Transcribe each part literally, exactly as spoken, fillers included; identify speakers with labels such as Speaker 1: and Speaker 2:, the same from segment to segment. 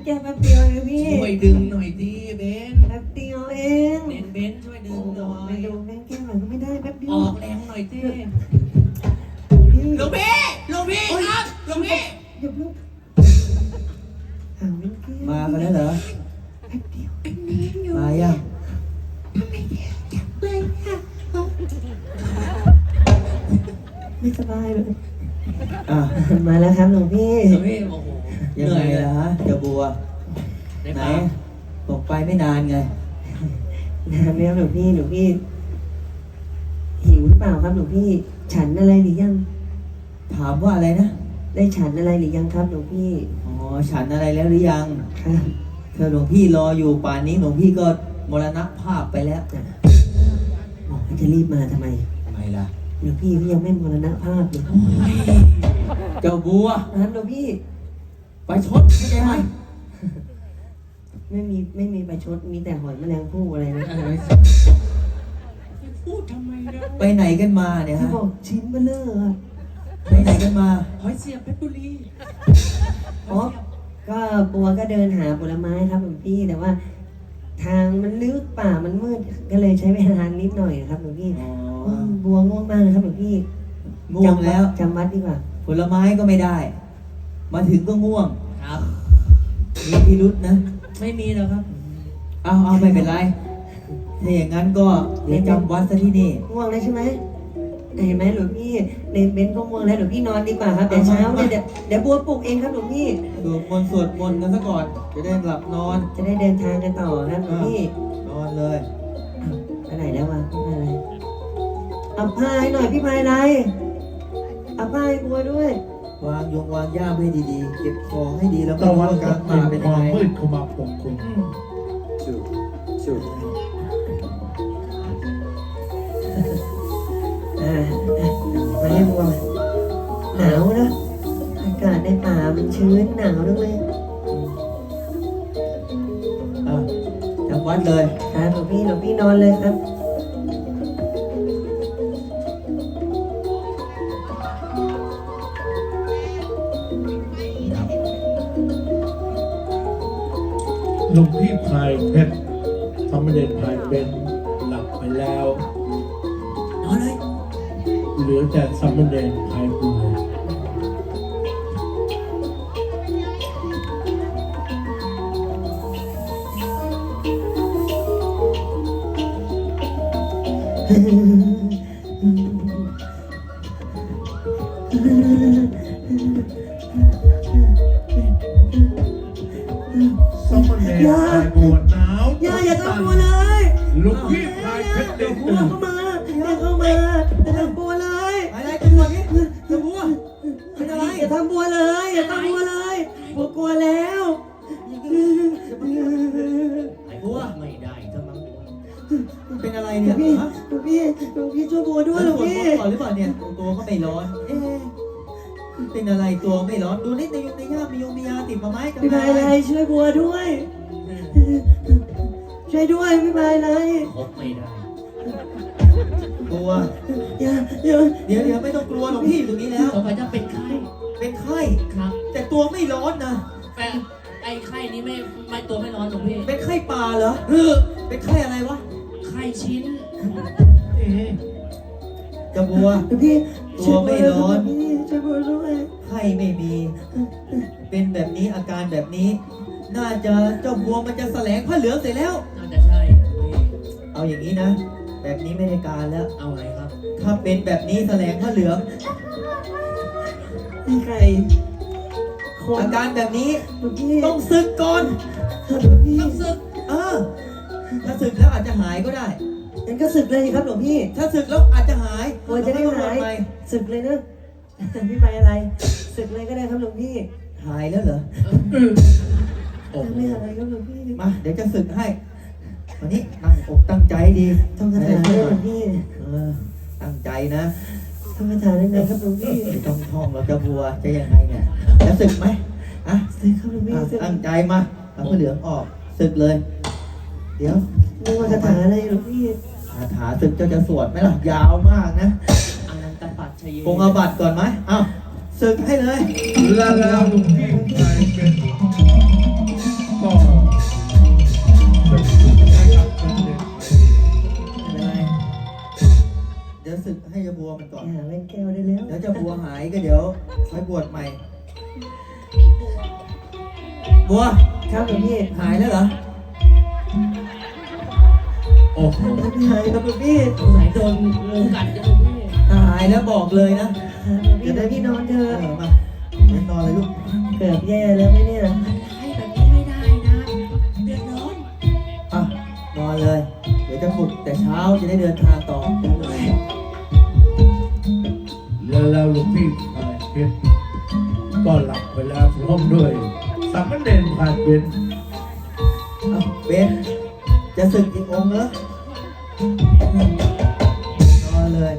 Speaker 1: แค่แป๊บเดียวเองพี่
Speaker 2: ช่วยดึงหน่อยดิเบน
Speaker 1: แป๊บเดียวเอง
Speaker 2: เบนเบนช่วยดึงหน่อ
Speaker 1: ไม่
Speaker 2: ย
Speaker 1: ดูแม่แก้หน่อยก็ไม่ได้แป๊บเดียว
Speaker 2: ออกแรงหน่อยดิ
Speaker 1: พี่
Speaker 2: หลวงพี่หลวงพี่ครับหลวงพี่
Speaker 1: อย่าเพิ่งหาแม่แก้ว
Speaker 3: มากันแล้วเหรอ
Speaker 1: แป๊บเดียวแป๊บเดียว
Speaker 3: มายัง
Speaker 1: เลยค่ะไม่สบายเลย
Speaker 3: อ่ะ
Speaker 1: มาแล้วครับหลวงพี่
Speaker 2: หลวงพี่โอ้โห
Speaker 3: ยังไงล่ะฮะเจ้าบัว
Speaker 2: ได้
Speaker 3: ไหน
Speaker 2: ปะ
Speaker 3: บอกไปไม่นานไง
Speaker 1: นานแล้วหลวงพี่หลวงพี่หิวหรือเปล่าครับหลวงพี่ ฉันอะไรหรือยัง
Speaker 3: ถามว่าอะไรนะ
Speaker 1: ได้ฉันอะไรหรือยังครับหลวงพี่
Speaker 3: อ๋อฉันอะไรแล้วหรือยัง
Speaker 1: ครับ
Speaker 3: เธอหลวงพี่รออยู่ป่านนี้หลวงพี่ก็มรณภาพไปแล้ว
Speaker 1: บอกว่าจะรีบมาทำไม
Speaker 3: ทำไมล่ะ
Speaker 1: หลวงพี่ก็ยังไม่มรณภาพเลย
Speaker 3: เจ้าบัว
Speaker 1: นะครับหลวงพี่
Speaker 3: ไปชดเข้าใจไหม
Speaker 1: ไม่มีไม่มีประชดมีแต่หอยแมลงภู่อะไรนะ
Speaker 2: พูดทำไมเนี่ย
Speaker 3: ไปไหนกันมาเนี่ย
Speaker 1: ที่
Speaker 3: ฮะ
Speaker 1: บอกชิ้นเบลเลอร์อะ
Speaker 3: ไปไหนกันมา
Speaker 2: หอยเสียบเพชรบุรี
Speaker 1: อ๋อก็บัวก็เดินหาผลไม้ครับหลวงพี่แต่ว่า ทางมันลึกป่ามันมืดก็เลยใช้เวลานิดหน่อยครับหลวงพี่
Speaker 3: อ๋อ
Speaker 1: อืมบัวง่วงมากเลยครับหลวงพี่
Speaker 3: ง่วงแล้ว
Speaker 1: จำวัดดีกว่า
Speaker 3: ผลไม้ก็ไม่ได้ มาถึงก็ง่วง
Speaker 2: ครับ
Speaker 3: มีพิรุษนะ
Speaker 2: ไม่มีแล้วครับ
Speaker 3: เอาเอาไม่เป็นไร ถ้าอย่างนั้นก็เดี๋ยวจำวัดซะที่นี่
Speaker 1: ง่วงแล้วใช่ไหมเห็นไหมหลวงพี่ในเบนซ์ก็ง่วงแล้วหลวงพี่นอนดีกว่าครับเดี๋ยวเช้าเนี่ยเดี๋ยวเดี๋ยวบัวปลุกเองครับหลวงพี่
Speaker 3: สวดมนต์สวดมนต์กันซะก่อน จะได้หลับนอน
Speaker 1: จะได้เดินทางกันต่อครับหลวงพี่
Speaker 3: นอนเลย
Speaker 1: ไปไหนแล้ววะพี่พายอะไรเอาผ้าให้หน่อยพี่พายอะไรเอาผ้าให้บัวด้วย
Speaker 3: วางยงวางย่ามให้ดีๆ เก็บของให้ดีแล้วก็
Speaker 4: ตะ
Speaker 3: รู้
Speaker 4: วัน
Speaker 3: ว่า
Speaker 4: กั
Speaker 3: กา
Speaker 4: บ
Speaker 3: ร
Speaker 4: มา
Speaker 3: มา
Speaker 4: เป็
Speaker 3: เป็น น
Speaker 4: ค
Speaker 3: ยัง
Speaker 4: วาม
Speaker 3: ไง
Speaker 4: มืดเข้ามาปกคลุม
Speaker 3: จุดจุด
Speaker 1: อ่ามาให้บัวหนาวนะอากาศในป่ามันชื้นหนาวจังเลย
Speaker 3: อ่ะจำวัดเลย
Speaker 1: ครับหลวงพี่หลวงพี่นอนเลยครับ
Speaker 4: หลวงพี่พายเพชรสามเณรพายเป็นหลับไปแล้ว
Speaker 2: นอนเลย
Speaker 4: เหลือแต่สามเณรพายบุญ สามเณรพายบัวหนาว
Speaker 1: อย่าอย่าทำบัวเลย
Speaker 4: หลวงพี่พายเพชร
Speaker 1: เดี๋
Speaker 4: ได้
Speaker 1: ยวบัว
Speaker 4: ตื่น
Speaker 1: เข้ามาอย่าเข้ามาอย่าทำบัวเลย
Speaker 3: อะไรกันวะนี่เจ้าบัวเป็นอะไร
Speaker 1: อย่าทำบัวเลยอย่าทำบัวเลยบัวกลัวแล้ว
Speaker 2: ไอ้บัวไม่ได้ก็มั้งบัว
Speaker 3: เป็นอะไร
Speaker 1: หล
Speaker 3: เนี่
Speaker 1: วย งพี่
Speaker 3: ฮะ
Speaker 1: หลวงพี่หลวงพี่ช่วยบัวด้วยหลวง
Speaker 3: ปวด
Speaker 1: พี่
Speaker 3: ท้องก่อนหรือเปล่าเนี่ยตัวก็ไม่ร้อน เอ๊ะเป็นอะไรตัวไม่ร้อน ดูนิดในยงในย่ามมียงมียาติดมาไหมกัน
Speaker 1: พี่พายอะไรช่วยบัวด้วย ช่วยด้วยพี่พายอะไร
Speaker 2: คบไม่ได้
Speaker 3: ตัว
Speaker 1: อย่าอย่า
Speaker 3: เดี๋ยวเดี๋ยวไม่ต้องกลัวหรอกพี่อยู่ตรงนี้แล้ว
Speaker 2: ต่อไปจะเป็นไข้
Speaker 3: เป็นไข้
Speaker 2: ครับ
Speaker 3: แต่ตัวไม่ร้อนนะ
Speaker 2: แต่ไอ้ไข้นี้ไม่ไม่ตัวไม่ร้อนหรอกพี่
Speaker 3: เป็นไข้ป่าเหรอ
Speaker 2: เออ
Speaker 3: เป็นไข้อะไรวะ
Speaker 2: ไข้ชิ้น
Speaker 3: เอ๊ะเจะบัว
Speaker 1: หลวงพี่
Speaker 3: ตัวไม่ร้อน
Speaker 1: พี่ช่วยบัวด้วย
Speaker 3: ไข้ไม่มี เป็นแบบนี้อาการแบบนี้ น่าจะเจ้าบัวมันจะแสลงผ้าเหลืองเสร็จแล้ว
Speaker 2: น่าจะใช่พี่
Speaker 3: เอาอย่างนี้นะ แบบนี้ไม่ได้การแล้ว
Speaker 2: เอาไงครับ
Speaker 3: ถ้าเป็นแบบนี้แสลงผ้าเหลือง
Speaker 1: พี่ไก่คน
Speaker 3: อาการแบบนี้
Speaker 1: หลวงพี่
Speaker 3: ต้องศึกก่อน
Speaker 1: หลวงพี่
Speaker 2: ต้องศึก
Speaker 3: เออ ถ้าศึกแล้วอาจจะหายก็ได้
Speaker 1: งั้นก็ศึกเลยครับหลวงพี่
Speaker 3: ถ้าศึกแล้วอาจจะหาย
Speaker 1: กลัวจะได้หาย
Speaker 3: แล้วก็บวชใม่
Speaker 1: ศึกเลยนะพี่ไปอะไรศึกเลยก็ได้ครับหลวงพี่
Speaker 3: หายแล้วเหรอ
Speaker 4: โอ้โห
Speaker 1: ไม่อะไรครับหลวงพี่
Speaker 3: มา เดี๋ยวจะศึกให้ วันนี้ตั้งอกตั้งใจดี
Speaker 1: ต้องคาถาด้วยหลวงพี่
Speaker 3: เออ ตั้งใจนะ
Speaker 1: ต้องคาถาด้วยนะครับหลวงพี่
Speaker 3: ไม่ต้องท่องเราจะบัวจะยังไงเนี่ย จะศึกไหมอ่ะ
Speaker 1: ศึกครับหลวงพี่
Speaker 3: อ่ะ
Speaker 1: ศึก
Speaker 3: ตั้งใจมาเอาผ้าเหลืองออกศึกเลย เดี๋ยว
Speaker 1: นึกว่าคาถาอะไรหลวงพี่
Speaker 3: คาถาศึกเจ้าจะสวดไหมล่ะ ยาวมากนะ
Speaker 2: อนันตปัจชย
Speaker 3: คงเอาบัตรก่อนไหมเอ้าศึกให้เลย
Speaker 4: และแล้วหลวงพี่พายเป็น
Speaker 3: ายก็เดี๋ยวค่อยบวชใหม่ บัว
Speaker 1: ครับหลวงพี่
Speaker 3: หายแล้วเหรอ
Speaker 4: โอ้โห
Speaker 1: มันหายครับหลวงพี่
Speaker 2: สงสัยโดนงูกัดจะหลวงพี่
Speaker 3: ถ้าหายแล้วบอกเลยนะ
Speaker 1: เดี๋ยวพี่นอนเถ
Speaker 3: เอ
Speaker 1: อะ
Speaker 3: อมาไปนอนเลยลูก
Speaker 1: เกือบแย่แล้วไหมเนี่ย
Speaker 2: ให้แบบนี้ไม่ได้นะเดือดร้อน
Speaker 3: อ่ะนอนเลย เดี๋ยวจะปลุกแต่เช้าจะได้เดินทางต่อ
Speaker 4: แล้วแล้วหลวงพี่พายเพชรก็หลับไปแล้วพร้อมด้วยสามเณรพายเป็น
Speaker 3: เอาเบนจะศึกอีกองค์เหรอนอนเลย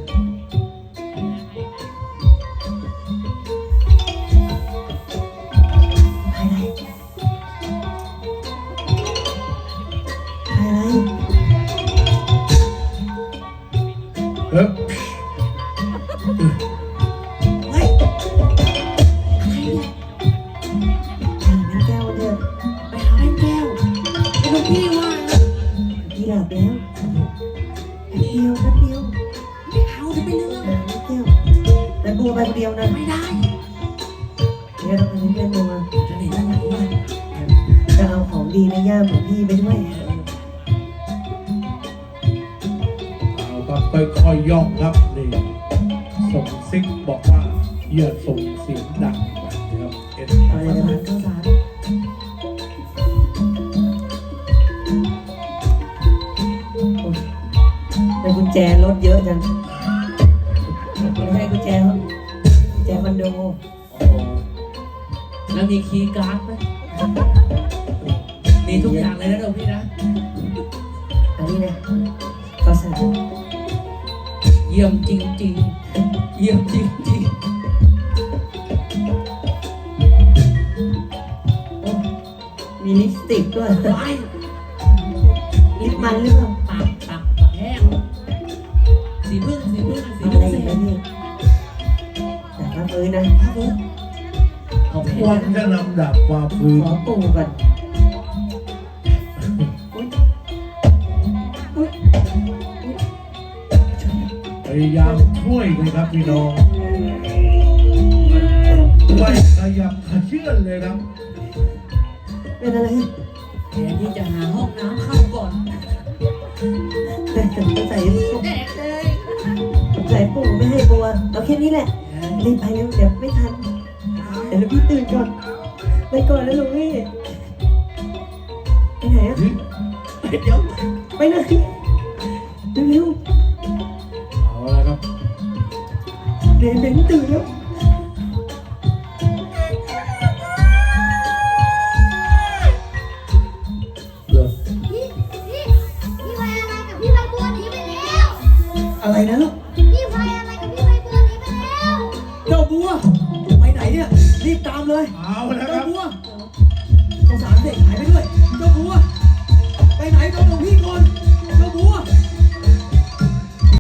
Speaker 1: ภายในภายใน
Speaker 4: เอ๊ะ
Speaker 1: เฮ้ยอ่างน้ำแก้วเถอะ
Speaker 2: ไปหาแม่แก้วไอ้หลวงพี่ว่านะ
Speaker 1: พี่หลับแล้วแป๊บเดียวแป๊บเดียว
Speaker 2: ไม่เอาจะไปเรื่อง
Speaker 1: อ่างน้ำแก้วแต่บัวไปคนเดียวนะ
Speaker 2: ไม่ได้
Speaker 1: เดี๋ยวเราไปเล่นบัว
Speaker 2: จะหนีได้ไหมวะ
Speaker 1: จะเอาของดีในย่ามของพี่ไปด้วย
Speaker 4: เอาครับค่อยๆย่องครับนี่ส่งซิกบอกว่าอย่าส่งเสียงดังนะครับเอ็น
Speaker 1: เอาเลยนะครับข้าวสารโอ้ยแต่กุญแจรถเยอะจังไม่ใช่กุญแจครับกุญแจคอนโด
Speaker 2: โอ้แล้วมีคีย์การ์ดไหมมีทุกอย่างเลยนะหลวงพี่นะ
Speaker 1: อันนี้นะข้าวสาร
Speaker 2: เยี่ยมจริงๆ เยี่ยมจริง
Speaker 1: โอ้มีลิปสติกด้วย
Speaker 2: ๆไป
Speaker 1: ลิปมันหรือเปล่า
Speaker 2: ปากปากปากแห้งสีพึ่งสีพึ่งสี
Speaker 1: เอา
Speaker 2: พึ่
Speaker 1: อะ
Speaker 2: ง
Speaker 1: ไร
Speaker 2: สี
Speaker 1: อีกไหม
Speaker 2: พึ่ง
Speaker 1: พี่แต่ว่าฟื้นนะ
Speaker 2: ครับผมเอาไป
Speaker 4: ควรจะนำดาบความพื้น
Speaker 1: ขอปู่ก่อนอุ๊ยอุ๊ย
Speaker 4: พยายามช่วยเลยครับพี่น้องไม่ขยับขยื่นเลยครับ
Speaker 1: เป็นอะไร
Speaker 2: แทนที่จะหาห้องน้ำเข้าก่อน
Speaker 1: แต่ใส่ปู่
Speaker 2: แดกเลย
Speaker 1: ใส่ปู่ไม่ให้บัวเอาแค่นี้แหละรีบไปเร็วเดี๋ยวไม่ทันเดี๋ยวพี่ตื่นก่อนไปก่อนแล้วลุงพี่ไปไหนอะ
Speaker 2: เดี๋ยว
Speaker 1: ไปไหนเร็ว
Speaker 4: เอาละครับ
Speaker 1: ๆเดี๋ยวเดี๋ยวตื่นแล้ว
Speaker 4: เลิก
Speaker 5: พี่พี่พี่พายอะไรกับพี่ใบบัวหนีไปแล้ว
Speaker 3: อะไรนะลูก
Speaker 5: พี่พายอะไรกับพี่ใบบัวหนีไปแล้ว
Speaker 3: เจ้าบัว ไปไหนเนี่ย รีบตามเลย
Speaker 4: เอาละค
Speaker 3: เจ้า
Speaker 4: รับ
Speaker 3: บัวข้าวสารเด็กหายไปด้วย เจ้าบัว ไปไหนต้องหลวงพี่ก่อน